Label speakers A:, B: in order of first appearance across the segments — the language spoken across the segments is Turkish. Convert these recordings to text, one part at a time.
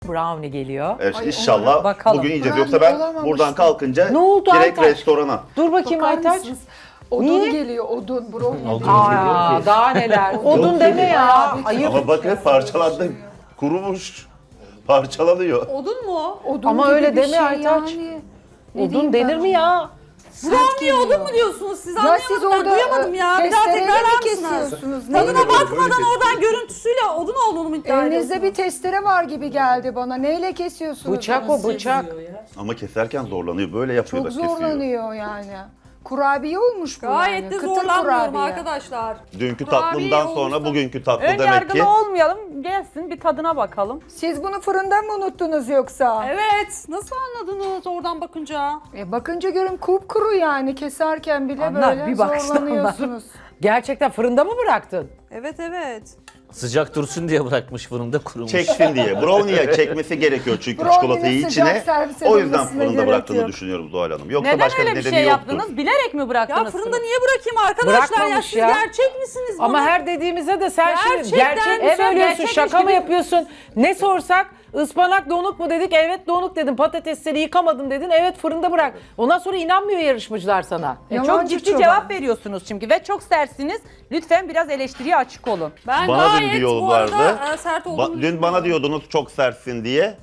A: Brownie geliyor.
B: Evet,
C: Ay,
B: inşallah
A: bakalım.
B: bugün yiyeceğiz.
C: Brownie
B: Yoksa ben
C: olamamıştı.
B: buradan kalkınca
A: Ne oldu
B: direkt
A: Aytaç?
B: restorana.
A: Dur bakayım
C: Bakar
A: Aytaç.
C: mısınız? Odun
A: Niye?
C: geliyor, odun. Brownie
D: Odun.
C: değil.
A: Aa, daha neler. Odun
B: Yok
A: deme
B: değil.
A: ya. Ayıp.
B: Ama bakın parçalandı. Kurumuş. Parçalanıyor.
E: Odun mu?
C: Odun
A: Ama
C: gibi
A: öyle
C: bir
A: deme
C: şey
A: Aytaç.
C: yani. Ne
A: Odun
C: diyeyim
A: denir
C: ben
A: mi ya?
E: Brownie odun mu diyorsunuz siz?
C: Ya
E: Anlayamadım
C: siz
E: ben,
C: orada
E: duyamadım ya. Bir daha
C: testereyle
E: tekrarlar
C: mi
E: mısınız?
C: kesiyorsunuz?
E: Tadına
C: Neyle?
E: bakmadan oradan görüntüsüyle odun olduğunu mu iddia
C: Elinizde
E: ediyorsunuz?
C: bir testere var gibi geldi bana. Neyle kesiyorsunuz?
A: Bıçak
C: onu
A: o
C: siz?
A: bıçak.
B: Ama keserken zorlanıyor. Böyle yapıyor
C: Çok
B: da kesiyor.
C: zorlanıyor yani. Kurabiye olmuş bu
E: Gayet
C: yani.
E: de
C: Kıtır
E: zorlanmıyorum
C: kurabiye.
E: arkadaşlar.
B: Dünkü
E: Kurabiye
B: tatlımdan
E: olmuş
B: sonra
E: da-
B: bugünkü tatlı
F: Ön
B: demek ki.
F: yargılı olmayalım. Gelsin bir tadına bakalım.
C: Siz bunu fırında mı unuttunuz yoksa?
E: Evet. Nasıl anladınız oradan bakınca?
C: Bakınca görün kupkuru yani keserken bile
A: Anlar,
C: böyle
A: bir baksana
C: zorlanıyorsunuz.
A: Gerçekten fırında mı bıraktın?
E: Evet evet.
D: Sıcak dursun diye bırakmış fırında kurumuş.
B: Çeksin diye. Brownie'ye çekmesi gerekiyor çünkü
C: Brownie'nin
B: çikolatayı
C: sıcak
B: içine.
C: servis
B: O yüzden
C: edilmesine
B: fırında
C: gerek
B: bıraktığını
C: yok.
B: düşünüyorum Zuhal Hanım. Yoksa
F: Neden
B: başka
F: öyle bir
B: nedeni
F: şey
B: yoktur.
F: yaptınız? Bilerek mi
E: Ya
F: bıraktınız?
E: fırında niye bırakayım arkadaşlar? Ya
A: Bırakmamış
E: siz
A: ya.
E: gerçek misiniz bana?
A: Ama her dediğimize de sen şimdi
E: Gerçekten
A: gerçek mi
E: güzel,
A: söylüyorsun,
E: gerçekmiş
A: şaka mı
E: gibi.
A: yapıyorsun? Ne sorsak ıspanak donuk mu dedik, evet donuk dedim. Patatesleri yıkamadım dedin, evet fırında bırak. Ondan sonra inanmıyor yarışmacılar sana.
F: Çok
C: Yalancı
F: ciddi
C: çoban.
F: cevap veriyorsunuz çünkü ve çok sertsiniz. Lütfen biraz eleştiriye açık olun.
E: Ben
B: Bana da
E: gayet
B: bir yol
E: bu arada
B: vardı.
E: sert olduğunu
B: Dün bana diyordunuz çok sertsin diye.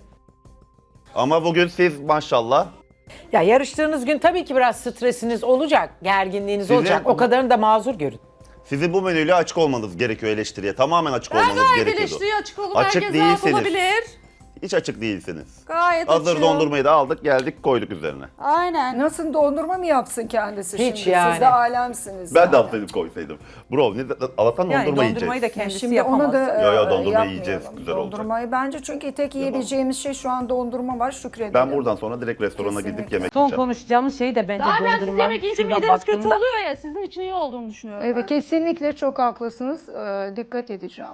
B: Ama bugün siz maşallah.
A: Ya yarıştığınız gün tabii ki biraz stresiniz olacak, gerginliğiniz
B: Sizin-
A: olacak. O kadarını da mazur görün.
B: Sizin bu menüyle açık olmanız gerekiyor eleştiriye. Tamamen açık
E: Ben
B: olmanız
E: gayet
B: gerekiyordu.
E: eleştiriye açık olup
B: Açık
E: herkes rahat
B: değilsiniz.
E: olabilir.
B: Hiç açık değilsiniz.
E: Gayet
B: Hazır
E: açığım.
B: dondurmayı da aldık geldik koyduk üzerine.
E: Aynen.
C: Nasıl dondurma mı yapsın kendisi
A: Hiç
C: şimdi?
A: yani.
C: Siz de alemsiniz.
B: Ben
C: yani.
B: de alsaydım koysaydım. Brownie, Allah'tan
F: Yani
B: dondurma
F: dondurmayı da
B: yiyeceğiz.
F: kendisi
C: Şimdi
F: yapamaz.
C: onu da
B: Ya, dondurma
C: yapmayalım.
B: yiyeceğiz, güzel olacak.
C: Dondurmayı bence çünkü tek yiyebileceğimiz şey şu an dondurma var, şükredelim.
B: Ben buradan sonra direkt restorana gidip
C: Kesinlikle.
B: yemek
F: Son
B: yiyeceğim.
F: konuşacağımız şey de bence
E: Zaten siz
F: dondurma.
E: yemek yiyince
F: Şuradan
E: mideniz kötü
F: baktığımda-
E: oluyor ya, sizin için iyi olduğunu düşünüyorum.
C: Evet, kesinlikle çok haklısınız. Dikkat edeceğim.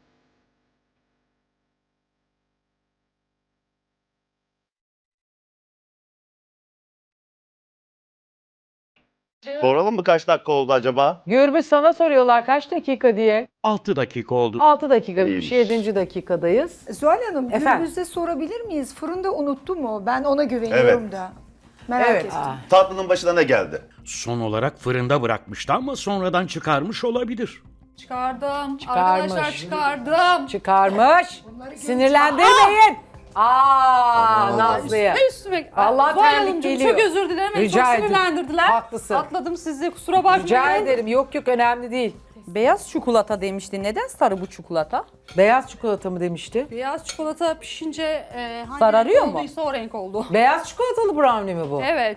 B: Soralım mı kaç dakika oldu acaba?
A: Gürbüz sana soruyorlar kaç dakika diye.
G: 6 dakika oldu.
A: 6 dakika,
B: İyiymiş.
A: 7. dakikadayız.
C: Zuhal Hanım,
A: Efendim?
C: Gürbüz'e sorabilir miyiz? Fırında unuttu mu? Ben ona güveniyorum
B: Evet.
C: da. Merak
A: Evet.
C: ettim.
B: Tatlının başına ne geldi?
G: Son olarak fırında bırakmıştı ama sonradan çıkarmış olabilir.
E: Çıkardım.
A: Çıkarmış.
E: Arkadaşlar çıkardım.
A: Çıkarmış. Sinirlendirmeyin. Aa, Nazlı'ya.
E: Ay üstüme.
A: Allah
E: Zuhal
A: terlik
E: Hanımcığım,
A: geliyor.
E: çok özür dilerim. Beni
A: Rica
E: çok
A: ederim.
E: sinirlendirdiler.
A: Haklısın.
E: Atladım sizi, kusura bakmayın.
A: Rica ederim. Yok yok önemli değil.
F: Beyaz çikolata demişti. Neden sarı bu çikolata?
A: Beyaz çikolata mı demişti?
E: Beyaz çikolata pişince hangi
F: Sararıyor
E: renk
F: mu?
E: olduysa o renk oldu.
A: Beyaz çikolatalı brownie mi bu?
E: Evet.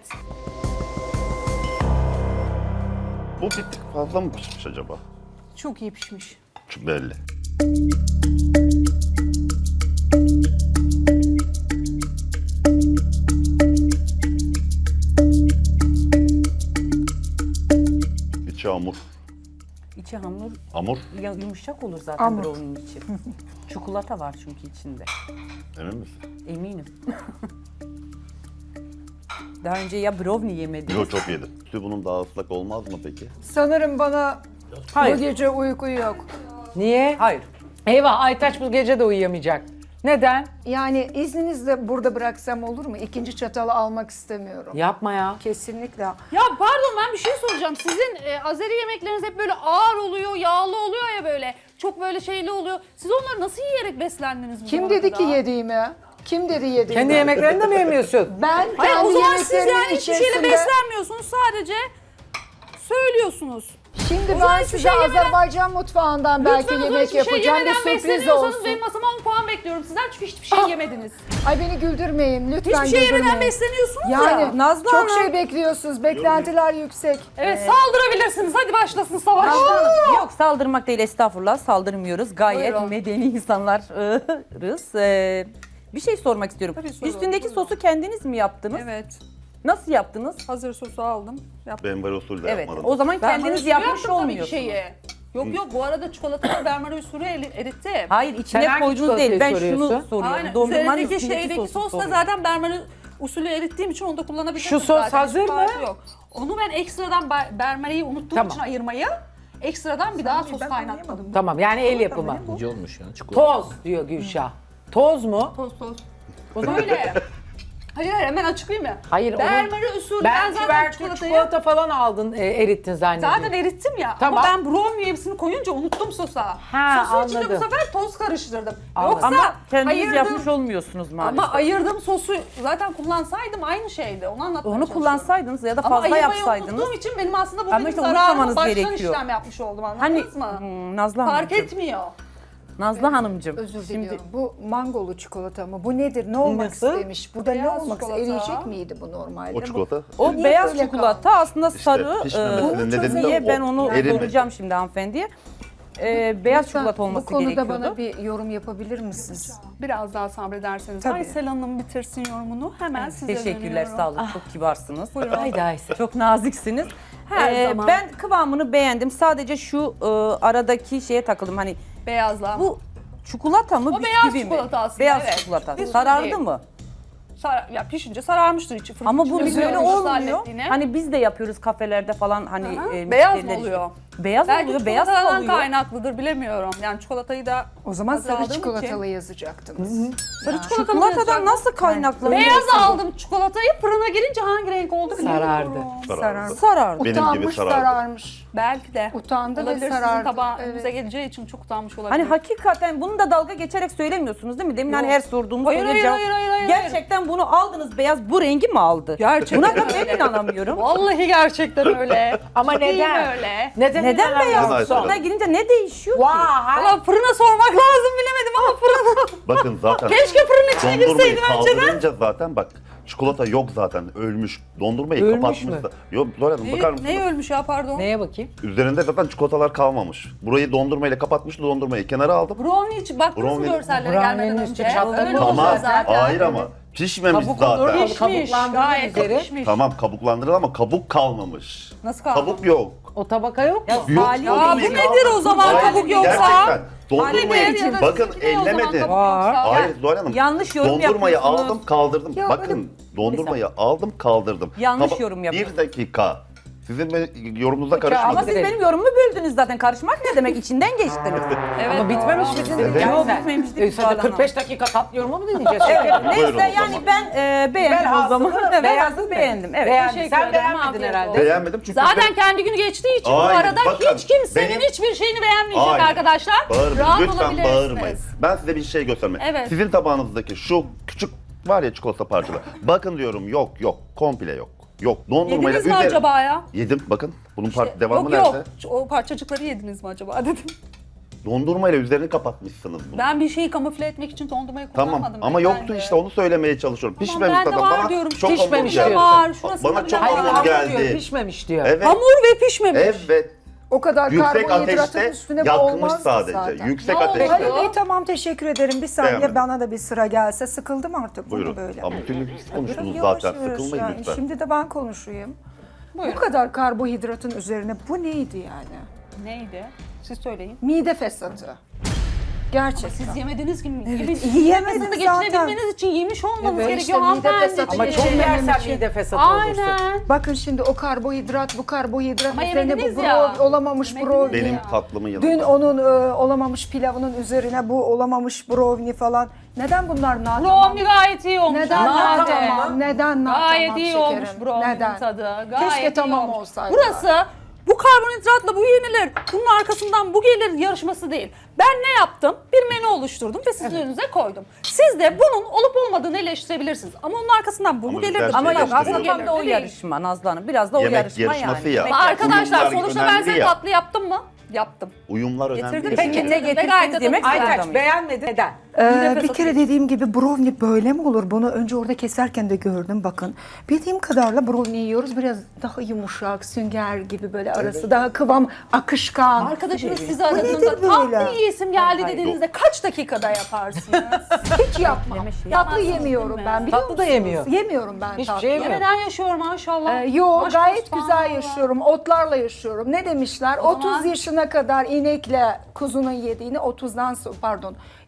B: Bu bir tık fazla mı pişmiş acaba?
E: Çok iyi pişmiş.
B: Çok belli. İçi hamur.
F: İçi hamur
B: Hamur,
F: yumuşak olur zaten
C: Hamur.
F: brownie'nin içi. Çikolata var çünkü içinde.
B: emin misin?
F: Eminim. Daha önce ya brownie yemediniz.
B: Yok çok yedim. Sütü bunun daha ıslak olmaz mı peki?
C: Sanırım bana
A: Hayır.
C: bu gece uyku yok.
A: Niye?
F: Hayır.
A: Eyvah Aytaç bu gece de uyuyamayacak. Neden?
C: Yani izninizle burada bıraksam olur mu? İkinci çatalı almak istemiyorum.
A: Yapma ya.
C: Kesinlikle.
E: Ya pardon, ben bir şey soracağım. Sizin Azeri yemekleriniz hep böyle ağır oluyor, yağlı oluyor ya böyle. Çok böyle şeyli oluyor. Siz onları nasıl yiyerek beslendiniz bu
C: Kim
E: zamana
C: dedi ki
E: kadar?
C: yediğimi? Kim dedi yediğimi?
A: Kendi yemeklerini de mi yemiyorsun?
C: Ben
E: Hayır,
C: kendi
E: o zaman siz
C: yemeklerimin
E: yani hiçbir şeyle
C: içerisinde...
E: beslenmiyorsunuz, sadece söylüyorsunuz.
C: Şimdi
E: O zaman
C: ben
E: hiçbir
C: size
E: şey yemeden-
C: Azerbaycan mutfağından belki
E: Lütfen o zaman
C: yemek
E: hiçbir şey
C: yapacağım. Bir
E: yemeden
C: sürpriz
E: besleniyorsanız
C: olsun.
E: benim masama 10 puan bekliyorum sizden, çünkü hiçbir şey yemediniz.
C: Ay beni güldürmeyin lütfen
E: Hiçbir şey yemeden
C: güldürmeyin.
E: besleniyorsunuz
C: Yani
E: ya.
F: Nazlı
C: çok
F: Hanım.
C: şey bekliyorsunuz. Beklentiler yüksek.
E: Evet, saldırabilirsiniz. Hadi başlasın savaş.
F: Yok saldırmak değil, estağfurullah, saldırmıyoruz. Gayet
E: Buyurun.
F: medeni insanlarız. Bir şey sormak istiyorum.
E: Tabii sorun,
F: Üstündeki
E: buyurun.
F: sosu kendiniz mi yaptınız?
E: Evet.
F: Nasıl yaptınız?
E: Hazır sosu aldım. Yaptım.
B: Ben böyle usul de
F: Evet.
B: yapmadım.
F: O zaman kendiniz
E: Benmari
F: yapmış
E: usulü yaptım tabii ki
F: olmuyorsunuz.
E: şeyi. Yok bu arada çikolatalı benmari usulü erittim.
F: Hayır,
A: Sen
F: içine
A: hangi
F: koyduğunuz değil. Ben
A: çikolatayı
F: şunu
A: soruyorsun?
F: soruyorum.
E: Aynen.
F: Dondurmanın
E: Üzerindeki
F: üstündeki
E: şeydeki
F: sosu
E: sos da
F: soruyorum.
E: zaten benmari usulü erittiğim için onu da kullanabilirsiniz.
A: Şu sos
E: zaten.
A: hazır
E: Hiç
A: mı?
E: farkı Yok. Onu ben ekstradan benmariyi unuttuğum
A: Tamam.
E: için ayırmayı, ekstradan bir daha sos kaynattım.
A: Tamam yani el yapımı.
D: İnce olmuş ya çikolata.
A: Toz diyor Gülşah. Toz mu?
E: Toz. Öyle. Hayır hemen açıklayayım ya.
A: Hayır,
E: Bermari usulü. Ben
A: Belki
E: zaten
A: belki çikolata falan aldın, erittin zannediyorum.
E: Zaten erittim ya.
A: Tamam.
E: Ama ben brownie hepsini koyunca unuttum sosa.
A: Ha,
E: Sosun içinde bu
A: anladım.
E: sefer toz karıştırdım.
A: Anladım.
E: Yoksa
F: Ama kendiniz
E: ayırdım.
F: yapmış olmuyorsunuz maalesef.
E: Ama ayırdım sosu zaten kullansaydım aynı şeydi. Onu anlatmaya
F: Onu
E: çalışıyorum.
F: kullansaydınız ya da
E: Ama
F: fazla
E: ayırmayı
F: yapsaydınız.
E: unuttuğum için benim aslında bu
F: Ama
E: benim
F: işte
E: zararıma
F: unutmamanız
E: baştan
F: gerekiyor.
E: işlem yapmış oldum
F: Hani
E: anladınız mı?
F: Nazlı
E: Fark
F: Hanımcığım.
E: etmiyor.
F: Nazlı Hanımcığım.
C: Özür
F: Şimdi
C: diliyorum. Bu mangolu çikolata mı? Bu nedir? Ne olmak
A: Nasıl?
C: istemiş? Burada ne
E: Beyaz
C: olmak
E: çikolata.
C: eriyecek miydi bu normalde?
B: O çikolata.
F: o
C: Niye
F: beyaz
C: böyle
F: çikolata
C: kaldı?
F: aslında sarı.
B: pişmemesinin nedeni de
F: niye
B: o,
F: ben onu
B: erimedi.
F: soracağım şimdi hanımefendiye. Beyaz
C: Lütfen
F: çikolata olması
C: bu konuda
F: gerekiyordu.
C: bana bir yorum yapabilir misiniz?
E: Biraz daha sabrederseniz.
C: Tabii.
E: Aysel Hanım bitirsin yorumunu. Hemen size
F: Teşekkürler,
E: dönüyorum.
F: sağ olun. Çok kibarsınız.
A: Haydi Aysel.
F: Çok naziksiniz.
E: Her zaman.
F: Ben kıvamını beğendim. Sadece şu aradaki şeye takıldım. Hani
E: Beyazla.
F: bu çikolata mı,
E: O
F: bisküvi
E: beyaz
F: mi?
E: çikolata aslında,
F: Beyaz
E: evet.
F: çikolata.
E: Bisküvi
F: Sarardı
E: değil.
F: mı?
E: Ya pişince sararmıştır içi. Fırın
F: Ama bu
E: içinde
F: böyle
E: görüyoruz
F: olmuyor.
E: hallettiğini.
F: Hani biz de yapıyoruz kafelerde falan hani
E: Beyaz mı
F: müşteriler
E: oluyor?
F: işte. Beyaz
E: Belki
F: oluyor, beyaz
E: çikolatadan
F: kalıyor.
E: kaynaklıdır bilemiyorum. Yani çikolatayı da
C: O zaman
E: az
C: sarı
E: aldığım
C: çikolatalı
E: için-
C: yazacaktınız.
E: Sarı çikolatalı
F: Çikolatadan nasıl kaynaklanıyor?
E: Beyaz aldım çikolatayı fırına girince hangi renk oldu bilmiyorum.
A: Sarardı.
B: Sarardı.
F: Sarardı.
B: Benim gibi
C: Utanmış,
B: sarardı.
C: sararmış.
E: Belki de.
C: Utandı ve
E: Olabilir,
C: sarardı.
E: sizin tabağınıza
C: Evet.
E: geleceği için çok utanmış olabilir.
F: Hani hakikaten bunu da dalga geçerek söylemiyorsunuz değil mi? Demin hani her sorduğumuz
E: Hayır,
F: soruya
E: hayır,
F: cevap-
E: hayır, hayır, hayır.
F: Gerçekten bunu aldınız beyaz bu rengi mi aldı?
E: Gerçekten
F: Buna da
E: öyle.
F: ben inanamıyorum.
E: Vallahi gerçekten öyle.
A: Ama
E: Değil
A: neden?
E: öyle.
A: Neden
F: Neden beyaz?
A: inanamıyorsun?
F: Fırına girince ne değişiyor ki?
A: Vay.
E: Valla fırına sormak lazım bilemedim ama fırına.
B: Bakın zaten.
E: Keşke fırının içine
B: dondurmayı
E: girseydim önceden.
B: kaldırınca zaten bak çikolata yok zaten ölmüş. Dondurmayı
A: Ölmüş
B: kapatmış
A: mü?
B: da. Yok Zuhal Hanım bakar mısınız?
E: Ne ölmüş ya pardon?
A: Neye bakayım?
B: Üzerinde zaten çikolatalar kalmamış. Burayı dondurmayla kapatmıştı, dondurmayı kenara aldım.
E: Brownie için baktınız mı
B: Brownie-
E: görsellere
A: Brownie'nin
E: gelmeden
A: üstü
E: önce?
A: çatlak
E: Öyle
A: olmuş
E: oluyor
B: Tamam,
E: zaten.
B: hayır ama pişmemiş
A: Kabuk
B: zaten.
A: olur.
E: Pişmiş,
A: Kabuklandırılır
E: gayet
A: üzeri.
E: pişmiş.
B: Tamam kabuklandırıldı ama kabuk kalmamış.
E: Nasıl kaldı?
B: Kabuk yok.
A: O tabaka yok mu?
B: Yok.
F: Salih
E: Ya bu
B: Dondurmayı
E: nedir o zaman
B: Hayır,
E: kabuk yoksa?
B: Gerçekten. Dondurmayı
E: Hadi be,
B: bakın
E: sizinki ne o zaman
B: ellemedim.
E: kabuk yoksa?
B: Hayır Zuhal Hanım.
F: Yanlış yorum
B: Dondurmayı
F: yapıyorsunuz.
B: aldım kaldırdım.
C: Ya
B: Bakın dondurmayı aldım kaldırdım.
F: Yanlış yorum yapıyorsunuz.
B: Bir dakika. Sizin yorumunuza
F: Ama
B: karışmadım.
F: siz benim yorumumu böldünüz zaten. Karışmak ne demek? İçinden geçtiniz.
E: Evet.
A: Ama bitmemiş mi dedin?
B: Evet.
A: Yani
F: Yok,
A: sen.
F: bitmemişti
A: Sen de
F: Zuhal Hanım.
A: 45 dakika tatlı yorumu mu dinleyeceğiz?
B: Buyurun o
F: Neyse
B: zaman.
F: yani ben beğendim o zaman.
A: Velhasılı
F: Beyazı beğendim. Evet.
A: Beğendin.
E: Teşekkür
A: Sen
E: ederim,
A: beğenmedin
E: afiyet
A: herhalde.
E: olsun.
B: Beğenmedim çünkü
E: Zaten kendi günü geçtiği için bu
B: Hayır,
E: arada
B: bakın,
E: hiç kimsenin
B: benim-
E: hiçbir şeyini beğenmeyecek
B: Hayır.
E: arkadaşlar.
B: Bağırmayın.
E: Rahat
B: Lütfen
E: olabilirsiniz.
B: bağırmayın. Ben size bir şey göstermeyeyim.
E: Evet.
B: Sizin tabağınızdaki şu küçük var ya çikolata parçaları. Bakın diyorum yok. Komple yok. Yok. Dondurmayla
E: Yediniz mi
B: üzeri-
E: acaba ya?
B: Yedim bakın. Bunun devamı
E: Yok
B: nerede?
E: yok. O parçacıkları yediniz mi acaba dedim.
B: Dondurmayla üzerini kapatmışsınız bunu.
E: Ben bir şeyi kamufle etmek için dondurmayı
B: Tamam
E: kullanmadım.
B: ama
E: beyefendi.
B: yoktu işte onu söylemeye çalışıyorum.
E: Tamam,
B: Pişmemiş
E: ben de
B: zaten.
E: var
B: Bana
E: diyorum.
B: çok
A: Pişmemiş
B: hamur
A: diyor.
B: geldi.
E: Var, şurasında
B: Bana
E: bile
B: çok
E: var.
B: hamur
A: Hamur diyor,
B: geldi.
A: pişmemiş diyor.
B: Evet.
E: Hamur ve pişmemiş.
B: Evet.
C: O kadar
B: Yüksek
C: karbonhidratın
B: ateşte
C: üstüne bu
B: yakmış
C: olmazdı
B: sadece.
C: zaten.
B: Yüksek
E: Ne
B: ateşte.
E: oldu?
C: Ali Bey tamam teşekkür ederim. Bir saniye
B: Beğenmedim.
C: bana da bir sıra gelse. Sıkıldım artık bunu
B: Buyurun.
C: böyle.
B: Ama bütün siz konuştunuz
C: Biraz yavaş
B: zaten.
C: yavaş
B: Sıkılmayın
C: yani.
B: lütfen.
C: Şimdi de ben konuşayım.
E: Buyurun.
C: Bu kadar karbonhidratın üzerine bu neydi yani?
E: Neydi? Siz söyleyin.
C: Mide fesatı. Gerçekten.
E: Siz yemediniz ki.
C: Yiyemedim
E: Fesatı
C: zaten.
E: geçirebilmeniz için yemiş olmanız
C: Evet,
E: gerekiyor
C: işte mide
E: hanımefendi.
C: fesatı
A: Ama çok
C: Yemememek
A: yersen
C: için.
A: mide fesatı olursun.
E: Aynen.
C: Bakın şimdi o karbonhidrat, bu karbonhidrat
E: Ama
C: üzerine bu
E: yemediniz ya.
C: brownie, olamamış
E: Yemediniz
C: brownie.
B: Benim
E: ya.
B: tatlımın yanında.
C: Dün onun olamamış pilavının üzerine bu olamamış brownie falan. Neden bunlar nar
E: Brownie gayet iyi olmuş.
C: Neden
A: Nar
C: nar
A: tamam
C: tamam? Neden nar
E: Gayet
C: tamam
E: iyi
C: şekerim?
E: olmuş brownie'nin
C: Neden?
E: tadı. Gayet
C: Keşke
E: iyi
C: tamam
E: olmuş.
C: olsaydı.
E: Burası bu karbonhidratla bu yenilir. Bunun arkasından bu gelir yarışması değil. Ben ne yaptım? Bir menü oluşturdum ve sizin önünüze koydum. Siz de bunun olup olmadığını eleştirebilirsiniz. Ama onun arkasından bu
B: Ama
E: mu
B: biz
E: gelir?
B: her şeyi
F: Ama yok
B: eleştiriyoruz.
F: aslında tam da o
E: Değil.
F: yarışma Nazlı Hanım. Biraz da o
B: Yemek
F: yarışma
B: yarışması
F: yani.
B: ya.
F: Yemek
E: Ama arkadaşlar
B: Uyumlar
E: sonuçta ben
B: önemli
E: size
B: ya.
E: tatlı yaptım mı? Yaptım.
B: Uyumlar önemli.
E: Getirdim.
B: değil.
F: Peki ne
E: Gayet
F: getirseniz
E: de
F: yemek
E: güzel.
F: zorunda
A: Aytaç
F: mıyız?
A: beğenmedin. Neden?
C: Bir kere dediğim gibi brownie böyle mi olur? Bunu önce orada keserken de gördüm bakın. Bildiğim kadarıyla brownie yiyoruz. Biraz daha yumuşak, sünger gibi böyle arası daha kıvam, akışkan.
E: Arkadaşınız sizi
C: Bu
E: aradığında
C: nedir böyle?
E: tatlı yiyesim geldi
F: Hayır.
E: dediğinizde kaç dakikada yaparsınız?
C: Hiç yapmam. Tatlı
E: Yapmazsınız
C: yemiyorum
E: değil
C: ben
E: mi?
C: biliyor
A: Tatlı da
C: musunuz?
A: yemiyor.
C: Yemiyorum ben
A: Hiçbir
C: tatlı.
A: şey yemiyor.
E: Neden yaşıyor maşallah?
C: Yo
E: Maşallah,
C: gayet güzel
E: subhanallah.
C: yaşıyorum. Otlarla yaşıyorum. Ne demişler?
E: O
C: 30
E: zaman-
C: yaşına kadar inekle kuzunun yediğini 30'dan sonra pardon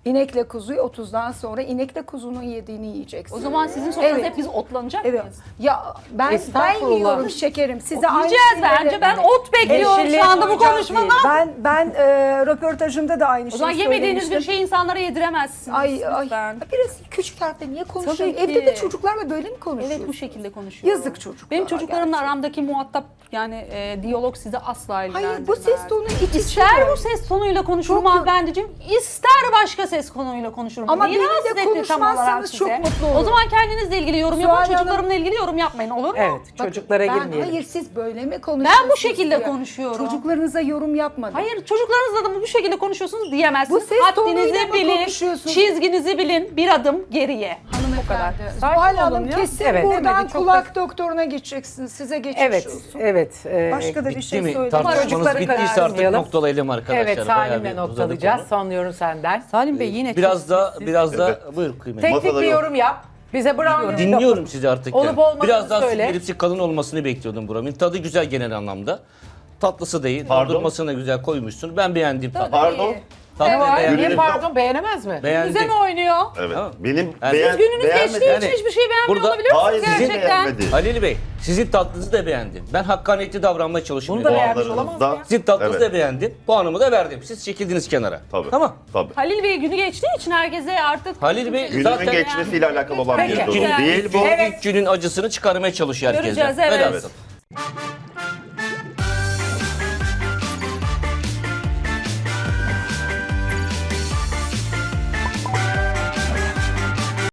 C: İnekle kuzuyu 30'dan sonra inekle kuzunun yediğini yiyeceksin.
E: O zaman sizin sofranızda
C: Evet.
E: hep biz otlanacak
C: Evet.
E: mıyız?
C: Ya ben
A: Estağfurullah.
C: yiyorum şekerim. Size aynı
E: Yiyeceğiz
C: şeyleri-
E: bence. Ben ot bekliyorum
A: Eşliğe
E: şu anda bu
A: koyacağız
E: konuşmada.
A: diyelim.
C: Ben röportajımda da aynı
E: O
C: şeyi
E: zaman yemediğiniz bir
C: söylemiştim.
E: şeyi insanlara yediremezsiniz.
C: Ay
E: lütfen.
C: biraz küçük harfle niye konuşuyorum?
E: Tabii ki.
C: Evde de çocuklarla böyle mi konuşuyorsun?
E: Evet bu şekilde konuşuyorum.
C: Yazık çocuklara
E: Benim çocuklarımla
C: gerçekten.
E: aramdaki muhatap yani diyalog sizi asla ilgilendirmez.
C: Hayır bu ses tonu iç
E: İster bu ses tonuyla konuşurum
C: Çok-
E: hanımefendiciğim, ister başka ses konuyla konuşurum.
C: Ama
E: Neyi
C: benimle
E: rahatsız etti tam
C: konuşmazsanız
E: olarak
C: çok
E: size?
C: mutlu olurum.
E: O zaman kendinizle ilgili yorum
C: Zuhal
E: yapın,
C: Hanım-
E: çocuklarımla ilgili yorum yapmayın, olur mu?
A: Evet, çocuklara girmeyelim.
C: Hayır siz böyle mi konuşuyorsunuz?
E: Ben bu şekilde
C: diye.
E: konuşuyorum.
C: Çocuklarınıza yorum yapmadım.
E: Hayır, çocuklarınızla da bu şekilde konuşuyorsunuz diyemezsiniz.
C: Bu ses tonuyla
E: Haddinizi
C: mı
E: bilin,
C: konuşuyorsunuz?
E: çizginizi bilin, bir adım geriye.
C: Hanımefendi.
F: Sakin
C: Zuhal
F: olun
C: Hanım
F: ya.
C: kesin
A: Evet.
C: buradan
F: Demedi, çok
C: kulak doktoruna gideceksiniz. Size geçmiş
A: Evet,
C: olsun.
A: evet.
C: Başka da bir
D: Bitti
C: şey
D: mi?
C: söyleyeyim.
D: Tartışmanız
A: Çocukları
D: bittiyse artık
A: karıştırmayalım.
D: noktalayalım arkadaşlar.
A: Evet,
D: Bayağı
A: Salim'le
D: bir uzadı
A: noktalayacağız.
D: konu.
A: Son yorum senden.
F: Salim Bey yine
D: Biraz
F: çok
D: da
F: sessiz.
D: buyur kıymetli.
A: Teknik
B: Masada
A: bir
B: yok.
A: yorum yap. Bize brownie
D: Dinliyorum sizi artık.
A: Olup
D: yani.
A: olmadığını
D: Biraz daha
A: söyle.
D: süt kalın olmasını bekliyordum buramın. Tadı güzel genel anlamda. Tatlısı değil.
B: Pardon?
D: Dondurmasını da güzel koymuşsun. Ben beğendim tadı.
B: Pardon.
D: Tadı
A: Ne var?
D: beğendim.
A: Niye
B: Gülünüz
A: pardon beğenemez mi?
D: Beğendim.
E: Bize mi oynuyor?
B: Evet.
D: Tamam.
B: Benim
D: Yani
B: beğen,
E: Gününüz
B: beğenmedim.
E: geçtiği için
D: Yani
E: hiçbir şey beğenmiyor
D: burada-
E: olabilir misiniz
B: Hayır sizi
E: gerçekten?
B: beğenmedi.
D: Halil Bey, sizin tatlınızı da beğendim. Ben hakkaniyetli davranmaya çalışıyorum.
A: Bunu da
D: dedim.
A: beğenmiş olamaz mı ya?
D: Sizin tatlınızı
B: Evet.
D: da beğendim. Puanımı da verdim. Siz çekildiniz kenara.
B: Tabii.
D: Tamam.
B: Tabii.
E: Halil Bey günü geçtiği için herkese artık...
D: Halil Bey
B: Günümün
D: zaten
B: geçmesiyle alakalı olan
A: Peki.
B: bir durum
E: Güzel.
B: değil bu.
A: Evet.
D: ilk günün acısını çıkarmaya çalışıyor herkese.
E: Göreceğiz, evet.
D: Velhasıl.